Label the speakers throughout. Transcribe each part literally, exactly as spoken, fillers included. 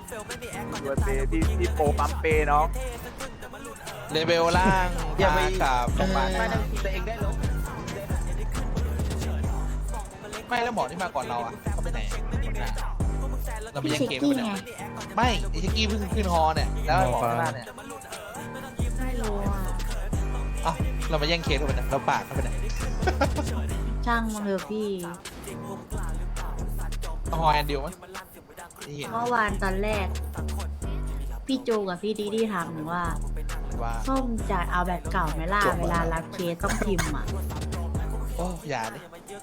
Speaker 1: ตัวเปที่ที่โปรปั๊มเปเนาะ
Speaker 2: เลเวลล่างอย่าไปกับโรงพยาบาล
Speaker 3: ไม่ต้องตัวเองได้ลบ
Speaker 2: ไม่แล้วหมอที่มาก่อนเราอ่ะเขาไปไหนเราไป
Speaker 4: พี่
Speaker 2: ยัง
Speaker 4: ชิก
Speaker 2: เกม
Speaker 4: กี้
Speaker 2: ไปไหน
Speaker 4: ไง
Speaker 2: ไม่ไอชิกกี้เพิ่งขึ้นฮอเนี่ยแล้วหมอข้างหน้าเนี่ย
Speaker 4: ไม่รู้อ่ะ
Speaker 2: เอ้าเรามาแย่งเคสเขาไปไหนเราปากเขาไปไหน
Speaker 4: ช่างมันเถอะพี่
Speaker 2: เอาฮอแอนดิวมั้ยที่เห็น
Speaker 4: เมื่อวานตอนแรก พี่จูกับพี่ดีดีถามหนูว่า
Speaker 2: ว่า
Speaker 4: ส้มจะเอาแบบเก่าไหมล่ะเวลารับเคสต้องพิมพ์อ่ะ
Speaker 2: โอ้อย่าดิ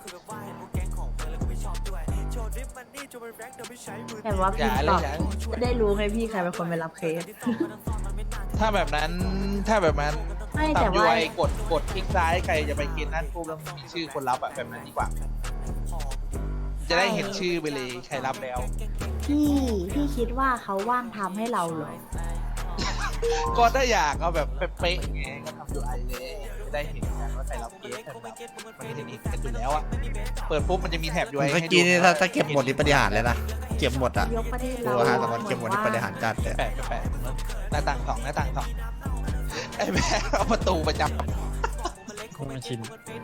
Speaker 4: แต่ว่า
Speaker 2: อ
Speaker 4: พิม
Speaker 2: ย่า
Speaker 4: พ์
Speaker 2: เล
Speaker 4: ต่
Speaker 2: ย
Speaker 4: อ
Speaker 2: อย่าเลย
Speaker 4: จะได้รู้ไงพี่ใครเป็นคนไปรับเคส
Speaker 2: ถ้าแบบนั้นถ้าแบบนั้น
Speaker 4: ไม่
Speaker 2: ตา
Speaker 4: แต่
Speaker 2: มยู
Speaker 4: ว่า
Speaker 2: ไอกดกดคลิกซ้ายใครจะไปเคสนั้นปุ๊บแล้วมีชื่อคนรับอะแบบนั้นดีกว่า จะได้เห็นชื่อไปเลยใครรับแล้ว
Speaker 4: พี่พี่คิดว่าเขาว่างทำให้เราเหรอ
Speaker 2: ก็ถ้าอยากเอาแบบเป๊ะๆไงก็ทำยูไอเลยจะได้เห็นกันว่าใครรับเคสกันแบบมันจะเห็นกันอยู่แล้วอะเปิดปุ๊บมันจะมีแถบยูไอ
Speaker 5: เมื่อ
Speaker 2: ให้ดู
Speaker 5: กี้นี่ถ้าถ้าเก็บหมดนี่ปฏิหารย์เลยนะ เก็บหมดอ่ะ
Speaker 4: ยกประเทศ
Speaker 5: ตั
Speaker 4: เรา
Speaker 5: วฮาตะวันเก็บหมดนี่ปฏิหารย์จัดเลย
Speaker 2: แปะแปะหน้าต่างสองหน้าต่างสองไอ้แม่เอาประตูประจ
Speaker 6: คงชิน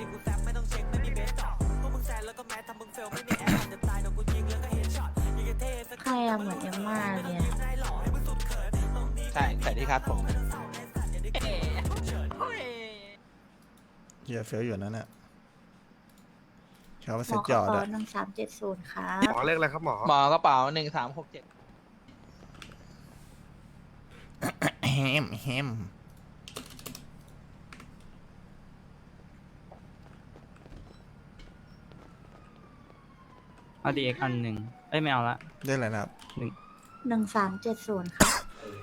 Speaker 4: ใครอะเหมือนเอมม่าเลยอะ
Speaker 2: ำใช่ใส่ที่คาดผม
Speaker 5: เฮียเฟี้ยวอยู่นั่นน่ะเขาว่า
Speaker 4: หม
Speaker 5: เซ็
Speaker 4: อ
Speaker 5: ต
Speaker 4: ข
Speaker 5: ย
Speaker 4: อ
Speaker 5: อด
Speaker 4: ขอ
Speaker 5: อ่ะ
Speaker 4: หนึ่งสามเจ็ดศูนย์ครับ
Speaker 3: หมอเลขอะไรครับหมอ
Speaker 2: หมอกระเป๋าหนึ่งสามหกเจ็ด
Speaker 5: แฮมแฮม
Speaker 6: เอาดีเอ็กอันหนึ่งเอ้ยไม่เอาละ
Speaker 5: ได้อะไรนะครับ
Speaker 4: หนึ่งสามเจ็ดศูนย์ครับ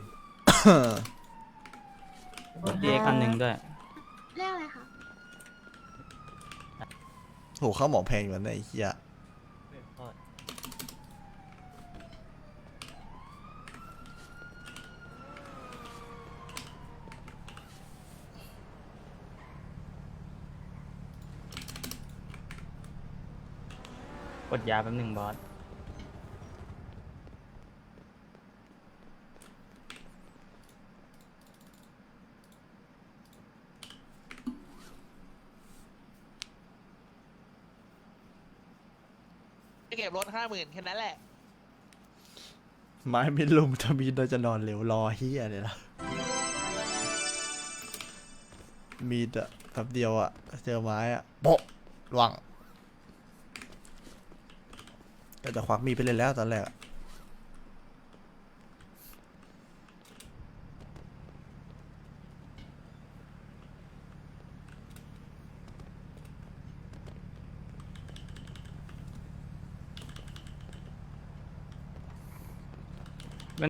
Speaker 6: ดีเอ็กอันหนึ่งด้วย
Speaker 4: เรียกอะไรคะ
Speaker 5: โหเข้าหมอแพงอยู่นะไอ้เหี้ย
Speaker 6: กดยาแป๊บหนึ่งบอส
Speaker 2: เก็บรถห้าหมื่นแค่นั้นแหละ
Speaker 5: ไม้ไม่ลุมถ้ามีเราจะนอนเหลวรอเฮียเลยนะมีดอะแป๊บเดียวอะเจอไม้อะโปะหวังก็จะควักมีดไปเลยแล้วตอนแรกอะ